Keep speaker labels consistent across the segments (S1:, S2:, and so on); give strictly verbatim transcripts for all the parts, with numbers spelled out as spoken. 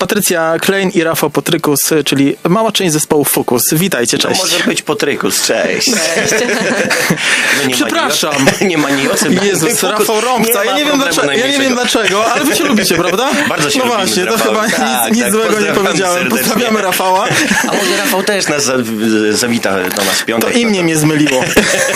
S1: Patrycja Klein i Rafał Potrykus, czyli mała część zespołu Focus. Witajcie, cześć.
S2: To może być Potrykus, cześć. Cześć.
S1: No nie Przepraszam.
S2: Ma nie ma niosy.
S1: Jezus, Rafał Rąbca. Ja nie wiem dlaczego, ja nie wiem dlaczego, ale wy się lubicie, prawda?
S2: Bardzo się
S1: No
S2: lubimy
S1: właśnie,
S2: z
S1: to chyba
S2: tak,
S1: nic, nic
S2: tak,
S1: złego nie powiedziałem.
S2: serdecznie.
S1: Pozdrawiamy Rafała.
S2: A może Rafał też nas zawita do nas w piątek.
S1: To imię mnie zmyliło.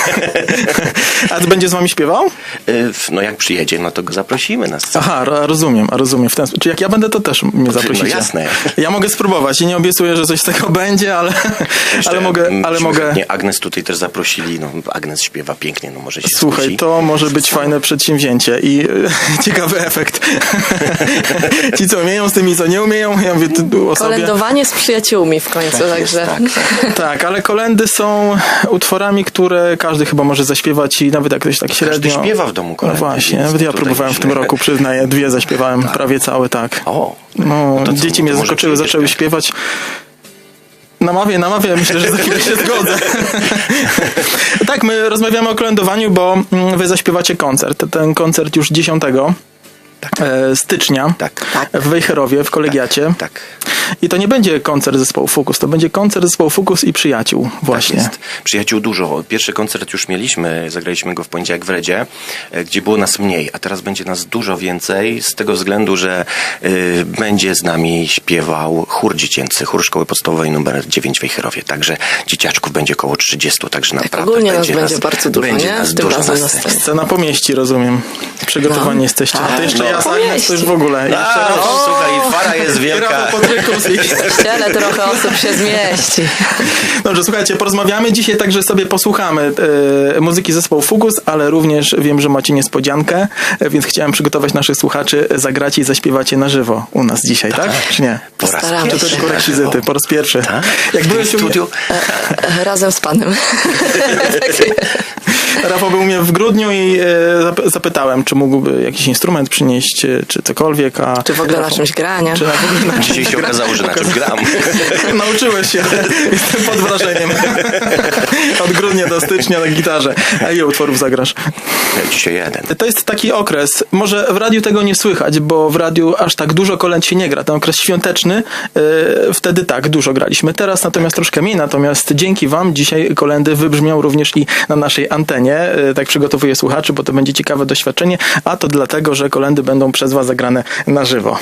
S1: A będzie z wami śpiewał?
S2: No jak przyjedzie, no to go zaprosimy na scenę.
S1: Aha, rozumiem, rozumiem. W ten sposób. Czy jak ja będę, to też mnie zaprosicie.
S2: No jasne.
S1: Ja mogę spróbować i nie obiecuję, że coś z tego będzie, ale, ale mogę... Ale mogę...
S2: Nie, Agnes tutaj też zaprosili, no Agnes śpiewa pięknie, no może się
S1: Słuchaj,
S2: skusi.
S1: to może być fajne przedsięwzięcie i e, ciekawy efekt. Ci, co umieją z tymi, co nie umieją, ja mówię tu o sobie.
S3: Kolędowanie z przyjaciółmi w końcu,
S2: tak
S3: także...
S2: Jest, tak.
S1: Tak, ale kolendy są utworami, które każdy chyba może zaśpiewać i nawet jak ktoś tak średnio...
S2: Każdy śpiewa w domu kolendy.
S1: No właśnie, nawet ja próbowałem w tym roku, przyznaję, dwie zaśpiewałem, tak. prawie całe, tak.
S2: O,
S1: no,
S2: to
S1: dzieci
S2: co,
S1: mnie
S2: to
S1: zaskoczyły, zaczęły śpiewać. Namawiam, namawiam, myślę, że za chwilę się zgodzę. Tak, my rozmawiamy o kolędowaniu, bo wy zaśpiewacie koncert. Ten koncert już dziesiątego
S2: tak.
S1: stycznia
S2: tak.
S1: w Wejherowie, w kolegiacie.
S2: Tak, tak.
S1: I to nie będzie koncert zespołu Focus, to będzie koncert zespołu Focus i przyjaciół właśnie.
S2: Tak jest. Przyjaciół dużo. Pierwszy koncert już mieliśmy, zagraliśmy go w poniedziałek w Redzie, gdzie było nas mniej, a teraz będzie nas dużo więcej z tego względu, że y, będzie z nami śpiewał chór dziecięcy, chór szkoły podstawowej numer dziewięć w Wejherowie. Także dzieciaczków będzie około trzydziestu, także
S3: tak,
S2: naprawdę
S3: ogólnie
S2: będzie
S3: nas
S2: nas
S3: będzie bardzo dużo,
S2: będzie
S3: nie?
S2: Nas
S3: Tym
S2: dużo
S3: razem
S2: nas
S3: na scenie.
S1: Scena pomieści, rozumiem. Przygotowani
S3: no.
S1: jesteście.
S3: Tak,
S1: to jeszcze
S3: no.
S1: ja z Agnes, to już w ogóle.
S2: A,
S1: jeszcze raz.
S2: o, słuchaj, fara jest wielka.
S3: W kościele trochę osób się zmieści.
S1: Dobrze, słuchajcie, porozmawiamy dzisiaj, także sobie posłuchamy e, muzyki zespołu Focus, ale również wiem, że macie niespodziankę, e, więc chciałem przygotować naszych słuchaczy, zagracie i zaśpiewacie na żywo u nas dzisiaj, tak? tak? Czy nie?
S2: Po raz
S3: Staramy
S1: Czy to tylko rekwizyty? Po raz pierwszy.
S2: Tak?
S1: Jak byłeś
S2: w studiu?
S3: E, razem z panem.
S1: Rafał był u mnie w grudniu i e, zapytałem, czy mógłby jakiś instrument przynieść, czy cokolwiek, a...
S3: Czy w ogóle Rafał, na czymś grania?
S1: Czy na, w ogóle na
S2: Dzisiaj się okazało, że na czym gram.
S1: Nauczyłeś się. Jestem pod wrażeniem. Od grudnia do stycznia na gitarze. A ile utworów zagrasz?
S2: Dzisiaj jeden.
S1: To jest taki okres, może w radiu tego nie słychać, bo w radiu aż tak dużo kolęd się nie gra. Ten okres świąteczny, yy, wtedy tak, dużo graliśmy. Teraz natomiast troszkę mniej, natomiast dzięki wam dzisiaj kolendy wybrzmią również i na naszej antenie. Yy, tak przygotowuję słuchaczy, bo to będzie ciekawe doświadczenie, a to dlatego, że kolendy będą przez was zagrane na żywo.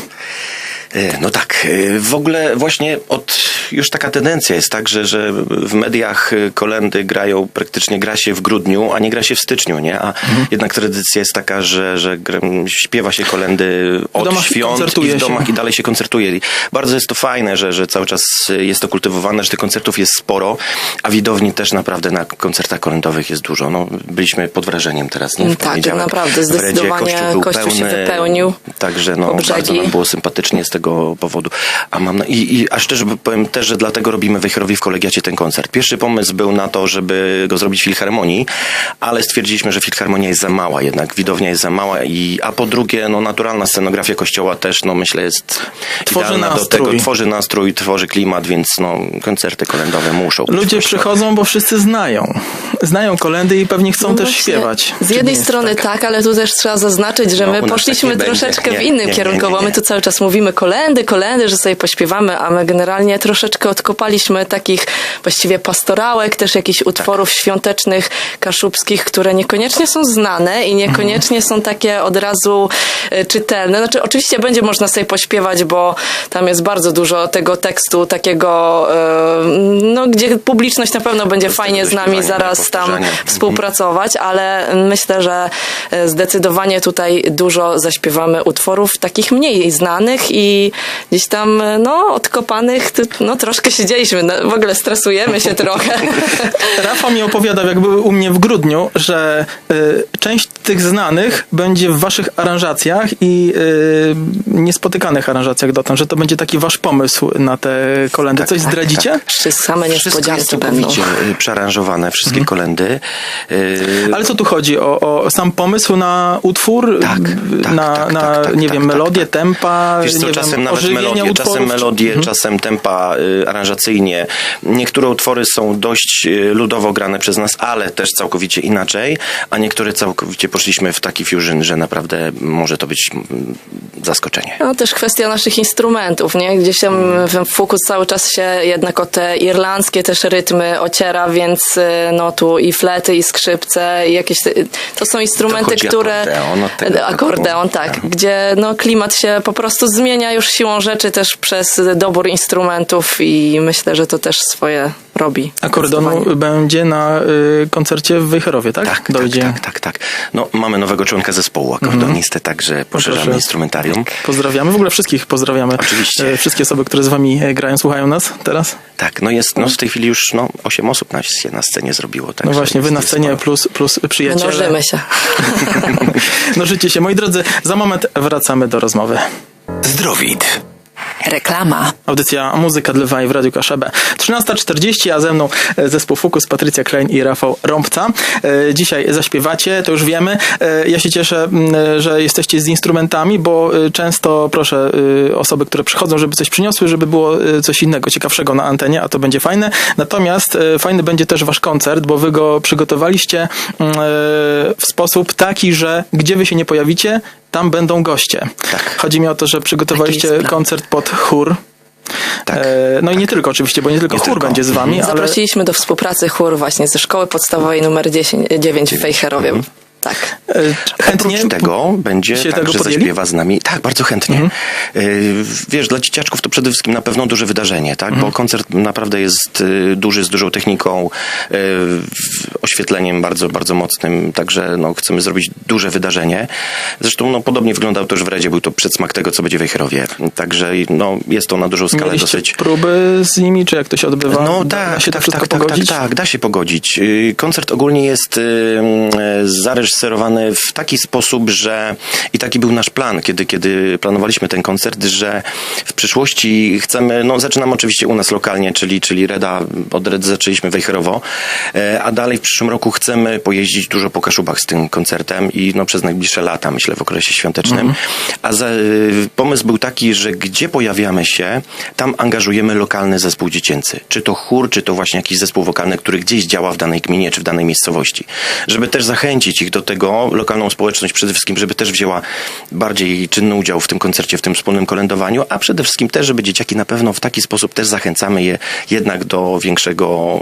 S2: No tak, w ogóle właśnie od, już taka tendencja jest tak, że, że w mediach kolendy grają, praktycznie gra się w grudniu, a nie gra się w styczniu, nie? A mhm. jednak tradycja jest taka, że, że śpiewa się kolendy od świąt i w domach się. I dalej się koncertuje. I bardzo jest to fajne, że, że cały czas jest to kultywowane, że tych koncertów jest sporo, a widowni też naprawdę na koncertach kolendowych jest dużo. No, byliśmy pod wrażeniem teraz, nie? W
S3: tak, naprawdę, zdecydowanie
S2: kościół, był
S3: kościół
S2: pełny,
S3: się wypełnił.
S2: Także no, bardzo nam było sympatycznie z tego powodu. A mam na, i, i a szczerze powiem też, że dlatego robimy w Wejherowie w kolegiacie ten koncert. Pierwszy pomysł był na to, żeby go zrobić w Filharmonii, ale stwierdziliśmy, że Filharmonia jest za mała jednak, widownia jest za mała, i, a po drugie, no naturalna scenografia kościoła też, no myślę, jest tworzy idealna nastrój. do tego, tworzy nastrój, tworzy klimat, więc no koncerty kolendowe muszą być.
S1: Ludzie przychodzą, bo wszyscy znają. Znają kolendy i pewnie chcą no też śpiewać.
S3: Z jednej strony tak? tak, ale tu też trzeba zaznaczyć, że no, my poszliśmy tak troszeczkę nie, w innym nie, kierunku, nie, nie, nie. bo my tu cały czas mówimy kolendy, kolendy, że sobie pośpiewamy, a my generalnie troszeczkę odkopaliśmy takich właściwie pastorałek, też jakichś utworów tak. świątecznych, kaszubskich, które niekoniecznie są znane i niekoniecznie są takie od razu czytelne. Znaczy oczywiście będzie można sobie pośpiewać, bo tam jest bardzo dużo tego tekstu takiego, no gdzie publiczność na pewno będzie fajnie z nami zaraz tam współpracować, ale myślę, że zdecydowanie tutaj dużo zaśpiewamy utworów takich mniej znanych i gdzieś tam, no, odkopanych, no, troszkę siedzieliśmy, no, w ogóle stresujemy się trochę.
S1: Rafał mi opowiadał, jak był u mnie w grudniu, że y, część tych znanych będzie w waszych aranżacjach i y, niespotykanych aranżacjach dotąd, że to będzie taki wasz pomysł na te kolendy.
S2: Tak,
S1: Coś
S2: tak,
S1: zdradzicie?
S2: Tak.
S3: Wszystko same niespodzianki będą.
S2: Przearanżowane, wszystkie mhm. kolendy. Y...
S1: Ale co tu chodzi? O, o sam pomysł na utwór?
S2: Tak, tak,
S1: na,
S2: tak,
S1: na
S2: tak, tak,
S1: nie
S2: tak,
S1: wiem,
S2: tak,
S1: melodię,
S2: tak.
S1: tempa?
S2: Wiesz co,
S1: nie
S2: czasem
S1: wiem,
S2: nawet melodię,
S1: utworów,
S2: czasem melodię,
S1: czy...
S2: czasem tempa y, aranżacyjnie. Niektóre utwory są dość y, ludowo grane przez nas, ale też całkowicie inaczej, a niektóre całkowicie poszliśmy w taki fusion, że naprawdę może to być mm, zaskoczenie.
S3: No też kwestia naszych instrumentów, nie? Gdzieś tam mm. fokus cały czas się jednak o te irlandzkie też rytmy ociera, więc no tu i flety, i skrzypce, i jakieś... To są instrumenty,
S2: to
S3: które...
S2: Akordeon, od tego
S3: akordeon tak, tak. Gdzie no klimat się po prostu zmienia już siłą rzeczy też przez dobór instrumentów i myślę, że to też swoje robi.
S1: Akordeonu będzie na y, koncercie w Wejherowie, tak?
S2: Tak,
S1: Dojdzie.
S2: tak, tak, tak, tak. No, mamy nowego członka zespołu akordeonisty, także poszerzamy
S1: Proszę.
S2: instrumentarium.
S1: Pozdrawiamy, w ogóle wszystkich pozdrawiamy.
S2: Oczywiście.
S1: Y, wszystkie osoby, które z wami y, grają, słuchają nas teraz.
S2: Tak, no jest, no w tej chwili już no, osiem osób na, się na scenie zrobiło.
S1: No właśnie, wy na scenie plus, plus przyjaciele.
S3: Mnożymy się.
S1: Mnożycie się. Moi drodzy, za moment wracamy do rozmowy.
S4: Zdrowid. Reklama.
S1: Audycja Muzyka dla Lwa i w Radiu Kaszebę. trzynasta czterdzieści, a ze mną zespół Fukus, Patrycja Klein i Rafał Rąbca. Dzisiaj zaśpiewacie, to już wiemy. Ja się cieszę, że jesteście z instrumentami, bo często proszę osoby, które przychodzą, żeby coś przyniosły, żeby było coś innego, ciekawszego na antenie, a to będzie fajne. Natomiast fajny będzie też wasz koncert, bo wy go przygotowaliście w sposób taki, że gdzie wy się nie pojawicie, tam będą goście.
S2: Tak.
S1: Chodzi mi o to, że przygotowaliście koncert pod chór.
S2: Tak.
S1: E, no i nie tylko oczywiście, bo nie tylko
S2: Nie
S1: chór
S2: tylko.
S1: będzie z wami, ale...
S3: Zaprosiliśmy do współpracy chór właśnie ze szkoły podstawowej numer dziesięć, dziewięć w Wejherowie. Tak.
S1: E, chętnie
S2: Oprócz tego będzie
S1: się
S2: tak,
S1: tego
S2: że
S1: podjęli?
S2: zaśpiewa z nami. Tak, bardzo chętnie.
S1: Mhm.
S2: Y, Wiesz, dla dzieciaczków to przede wszystkim na pewno duże wydarzenie, tak?
S1: Mhm.
S2: Bo koncert naprawdę jest y, duży, z dużą techniką, y, oświetleniem bardzo, bardzo mocnym, także no, chcemy zrobić duże wydarzenie. Zresztą no, podobnie wyglądał to już w Redzie, był to przedsmak tego, co będzie w Wejherowie. Także no, jest to na dużą skalę
S1: Mieliście
S2: dosyć...
S1: próby z nimi, czy jak to się odbywa?
S2: No
S1: da,
S2: tak,
S1: da się to
S2: tak,
S1: wszystko
S2: tak, tak,
S1: pogodzić?
S2: tak, tak, da się pogodzić. Y, Koncert ogólnie jest y, y, zareżyserowany w taki sposób, że i taki był nasz plan, kiedy, kiedy planowaliśmy ten koncert, że w przyszłości chcemy, no zaczynamy oczywiście u nas lokalnie, czyli, czyli Reda, od Redy zaczęliśmy Wejherowo, y, a dalej w przyszłym roku chcemy pojeździć dużo po Kaszubach z tym koncertem i no przez najbliższe lata, myślę, w okresie świątecznym. Mm. A za, y, pomysł był taki, że gdzie pojawiamy się, tam angażujemy lokalny zespół dziecięcy. Czy to chór, czy to właśnie jakiś zespół wokalny, który gdzieś działa w danej gminie, czy w danej miejscowości. Żeby też zachęcić ich do tego, lokalną społeczność przede wszystkim, żeby też wzięła bardziej czynny udział w tym koncercie, w tym wspólnym kolędowaniu, a przede wszystkim też, żeby dzieciaki na pewno w taki sposób też zachęcamy je jednak do większego,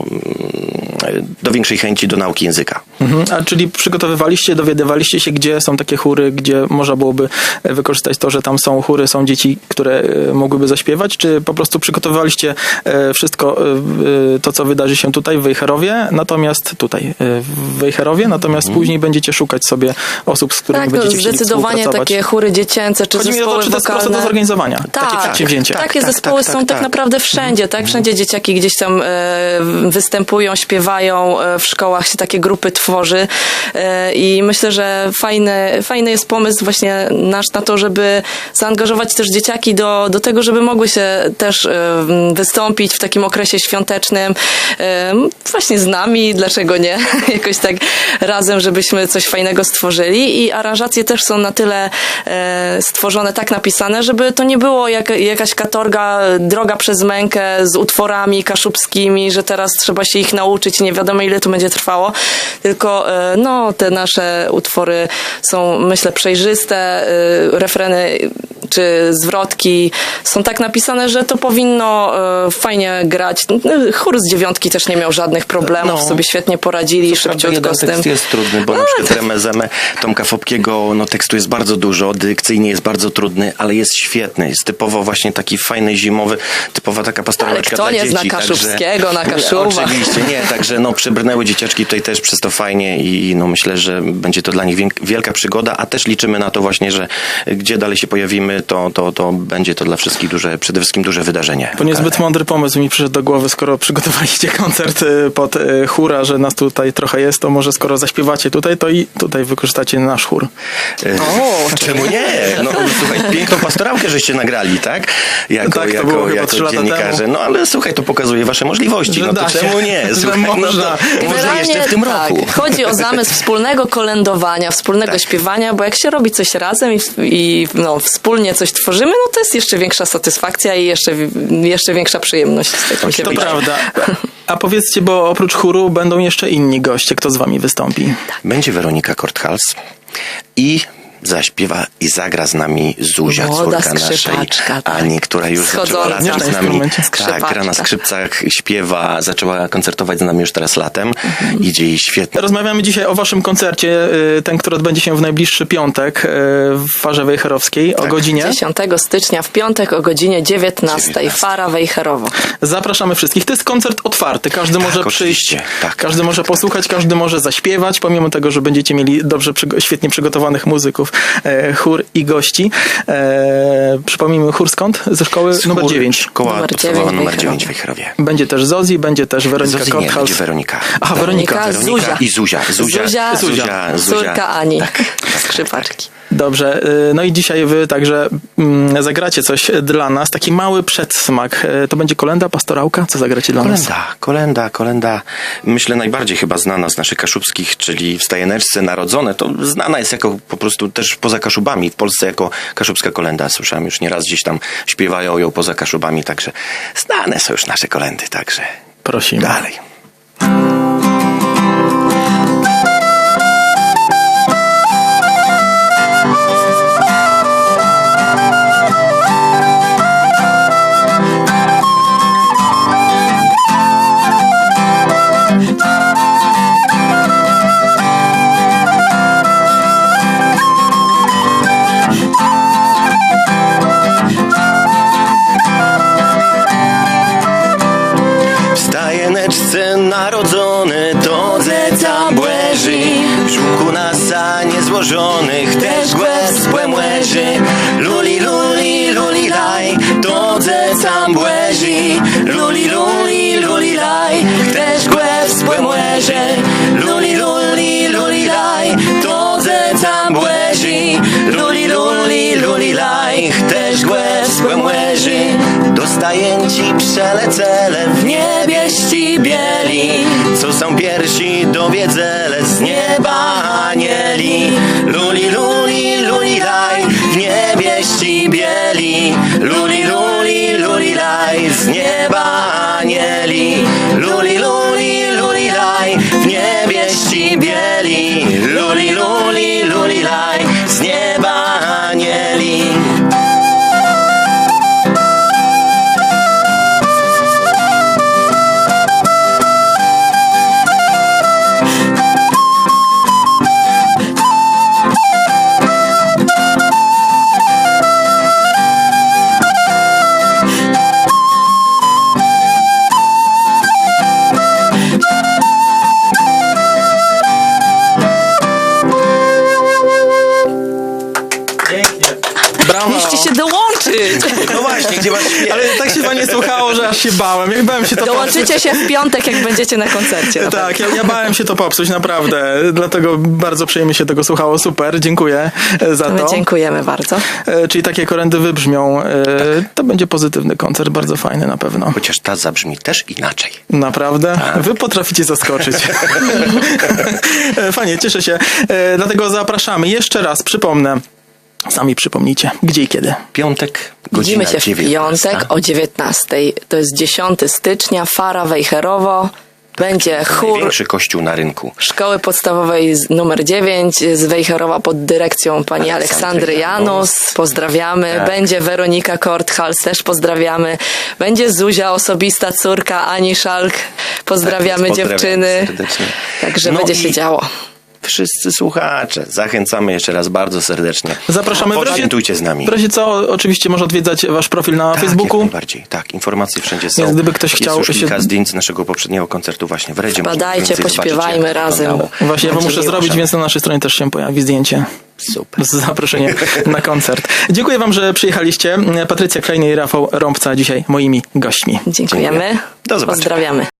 S2: do większej chęci do nauki języka.
S1: Mhm. A czyli przygotowywaliście, dowiadywaliście się, gdzie są takie chóry, gdzie można byłoby wykorzystać to, że tam są chóry, są dzieci, które mogłyby zaśpiewać, czy po prostu przygotowywaliście wszystko to, co wydarzy się tutaj w Wejherowie, natomiast tutaj w Wejherowie, natomiast mhm. później będziecie szukać sobie osób, z którymi
S3: tak,
S1: będziecie
S3: no,
S1: chcieli
S3: zdecydowanie takie chóry dziecięce, czy
S1: Chodzi mi o
S3: zespoły
S1: to, czy to jest
S3: wokalne.
S1: prosto do zorganizowania.
S3: Tak,
S1: takie przedsięwzięcie.
S3: takie
S2: tak,
S3: zespoły
S2: tak,
S3: są
S2: tak,
S3: tak
S2: tak.
S3: naprawdę wszędzie, tak? Wszędzie dzieciaki gdzieś tam e, występują, śpiewają, e, w szkołach się takie grupy tworzy e, i myślę, że fajny, fajny jest pomysł właśnie nasz na to, żeby zaangażować też dzieciaki do, do tego, żeby mogły się też e, wystąpić w takim okresie świątecznym e, właśnie z nami, dlaczego nie? Jakoś tak razem, żebyśmy coś fajnego stworzyli i aranżacje też są na tyle e, stworzone, tak napisane, żeby to nie było jak, jakaś katorga, droga przez mękę z utworami kaszubskimi, że teraz trzeba się ich nauczyć i nie wiadomo ile to będzie trwało, tylko e, no, te nasze utwory są, myślę, przejrzyste, e, refreny czy zwrotki są tak napisane, że to powinno e, fajnie grać. Chór z dziewiątki też nie miał żadnych problemów,
S2: No.
S3: sobie świetnie poradzili, szybciutko
S2: jeden
S3: z tym.
S2: tekst jest trudny, bo na przykład Remezemę Tomka Fopkiego, no tekstu jest bardzo dużo, dykcyjnie jest bardzo trudny, ale jest świetny. Jest typowo właśnie taki fajny, zimowy, typowa taka
S3: Ale
S2: pastoraleczka
S3: kto
S2: dla
S3: nie
S2: dzieci.
S3: zna Kaszubskiego
S2: także,
S3: na Kaszubach?
S2: Oczywiście, nie, także no przybrnęły dzieciaczki tutaj też przez to fajnie i no myślę, że będzie to dla nich wielka przygoda, a też liczymy na to właśnie, że gdzie dalej się pojawimy, to, to, to będzie to dla wszystkich duże, przede wszystkim duże wydarzenie.
S1: To niezbyt mądry pomysł mi przyszedł do głowy, skoro przygotowaliście koncert pod chóra, że nas tutaj trochę jest, to może skoro zaśpiewacie tutaj, to i tutaj wykorzystacie nasz chór.
S2: O, czemu nie? No słuchaj, piękną pastorałkę żeście nagrali, tak? Jako,
S1: Tak, to
S2: jako,
S1: było chyba
S2: jako
S1: trzy lata
S2: dziennikarze.
S1: temu.
S2: No ale słuchaj, to pokazuje wasze możliwości.
S1: Że
S2: No to
S1: da się.
S2: czemu nie?
S1: Że
S2: Słuchaj, no
S1: można.
S2: to może jeszcze w tym
S3: tak,
S2: roku.
S3: chodzi o zamysł wspólnego kolędowania, wspólnego
S2: Tak.
S3: śpiewania, bo jak się robi coś razem i, i no, wspólnie wspólnie coś tworzymy, no to jest jeszcze większa satysfakcja i jeszcze, jeszcze większa przyjemność z tego się
S1: To
S3: bierze.
S1: prawda. A powiedzcie, bo oprócz chóru będą jeszcze inni goście. Kto z wami wystąpi?
S2: Będzie Weronika Korthals i zaśpiewa i zagra z nami Zuzia,
S3: Młoda
S2: córka naszej
S3: skrzypaczka, tak.
S2: Ani, która już zaczęła
S3: Schodząca.
S2: latem
S1: Nie
S2: z
S1: na
S2: nami.
S1: instrumencie.
S2: Tak,
S3: Skrzypaczka.
S2: gra na skrzypcach, śpiewa, zaczęła koncertować z nami już teraz latem.
S3: Mhm.
S2: Idzie jej świetnie.
S1: Rozmawiamy dzisiaj o waszym koncercie, y, ten, który odbędzie się w najbliższy piątek y, w Farze Wejherowskiej o
S2: Tak.
S1: godzinie.
S3: dziesiątego stycznia w piątek o godzinie dziewiętnastej.
S2: dziewiętnasta.
S3: Fara Wejherowo.
S1: Zapraszamy wszystkich. To jest koncert otwarty. Każdy może
S2: oczywiście.
S1: przyjść,
S2: Tak,
S1: każdy
S2: tak,
S1: może
S2: tak,
S1: posłuchać, każdy może zaśpiewać, pomimo tego, że będziecie mieli dobrze, przygo- świetnie przygotowanych muzyków, e, chór i gości. E, przypomnijmy, chór skąd? Ze szkoły numer
S2: Chór,
S1: dziewięć.
S2: Szkoła
S3: Numer
S2: podstawowa
S3: dziewięć w
S2: numer
S3: Wejherowie.
S2: dziewięć w Wejherowie.
S1: Będzie też Zozi, będzie też Weronika
S2: Zozi nie,
S1: Korthals.
S2: będzie Weronika.
S1: Aha, Weronika.
S3: Weronika,
S2: Weronika
S3: Zuzia.
S2: i Zuzia. Zuzia,
S3: Zuzia,
S2: Zuzia, Zuzia.
S3: Córka Ani.
S2: Tak, tak,
S3: Skrzypaczki.
S1: Dobrze, y, no i dzisiaj wy także mm, zagracie coś dla nas, taki mały przedsmak. Y, To będzie kolenda, pastorałka? Co zagracie dla nas?
S2: Kolenda, kolenda, kolenda. Myślę najbardziej chyba znana z naszych kaszubskich, czyli w Stajeneczce Narodzone. To znana jest jako po prostu też poza Kaszubami. W Polsce jako kaszubska kolenda. Słyszałem już nieraz gdzieś tam śpiewają ją poza Kaszubami, także znane są już nasze kolendy, także
S1: Prosimy.
S2: dalej. W Stajeneczce narodzony to zeca błęży, w żółku na sanie złożonych też głęb z błęży. Luli, luli, luli, laj, to zeca błęży, luli, luli, luli, laj, też głęb z błęży. Luli, luli, luli, laj, to zeca błęży, luli, luli, luli, laj, też głęb z błęży. Dostaję ci przelecele w niebieści bieli, co są piersi do wiedzele z nieba anieli. Luli, luli, luli, laj, w niebieści bieli, luli, luli, luli, laj, z nieba anieli. Luli, luli, luli, laj, w niebieści bieli, luli, luli, luli, laj, z nieba anieli.
S1: Brawo!
S3: Musicie się dołączyć.
S2: No właśnie, gdzie masz śpiew?
S1: Ale tak się fajnie słuchało, że aż się bałem. Jak bałem się to
S3: Dołączycie się w piątek, jak będziecie na koncercie. na
S1: Tak, ja, ja bałem się to popsuć, naprawdę. Dlatego bardzo przyjemnie się tego słuchało. Super, dziękuję e, za
S3: My
S1: to.
S3: dziękujemy bardzo.
S1: E, Czyli takie kolendy wybrzmią. E, To będzie pozytywny koncert, bardzo fajny na pewno.
S2: Chociaż ta zabrzmi też inaczej.
S1: Naprawdę? Wy potraficie zaskoczyć. E, Fajnie, cieszę się. E, Dlatego zapraszamy. Jeszcze raz przypomnę. Sami przypomnijcie, gdzie i kiedy.
S2: Piątek, godzina
S3: Widzimy się w
S2: dziewiętnasta.
S3: piątek o dziewiętnastej. To jest dziesiątego stycznia, Fara Wejherowo. Będzie chór
S2: Największy kościół na rynku.
S3: Szkoły Podstawowej z- numer dziewięć z Wejherowa pod dyrekcją pani
S2: Aleksandry
S3: Aleksandry Janus. Pozdrawiamy.
S2: Tak.
S3: Będzie Weronika Korthals, też pozdrawiamy. Będzie Zuzia, osobista córka Ani Szalk. Pozdrawiamy
S2: Tak,
S3: dziewczyny.
S2: pozdrawiam serdecznie.
S3: Także
S2: No
S3: będzie się
S2: i
S3: działo.
S2: Wszyscy słuchacze, zachęcamy jeszcze raz bardzo serdecznie.
S1: Zapraszamy. W razie,
S2: Poświętujcie z nami.
S1: w razie co, oczywiście można odwiedzać wasz profil na
S2: Tak,
S1: Facebooku.
S2: jak najbardziej. Tak, informacje wszędzie są.
S1: Więc gdyby ktoś
S2: Jest
S1: chciał
S2: już
S1: się-
S2: kilka zdjęć z naszego poprzedniego koncertu właśnie w Redzie. Można
S3: Wpadajcie,
S2: więcej zobaczyć,
S3: pośpiewajmy
S2: jak
S3: razem.
S2: wyglądało.
S1: Właśnie ja wam
S3: Będzie
S1: muszę
S3: miło.
S1: zrobić, więc na naszej stronie też się pojawi zdjęcie
S2: Super.
S1: z zaproszeniem na koncert. Dziękuję wam, że przyjechaliście. Patrycja Klejny i Rafał Rąbca dzisiaj moimi gośćmi.
S3: Dziękujemy.
S2: Do zobaczenia.
S3: Pozdrawiamy.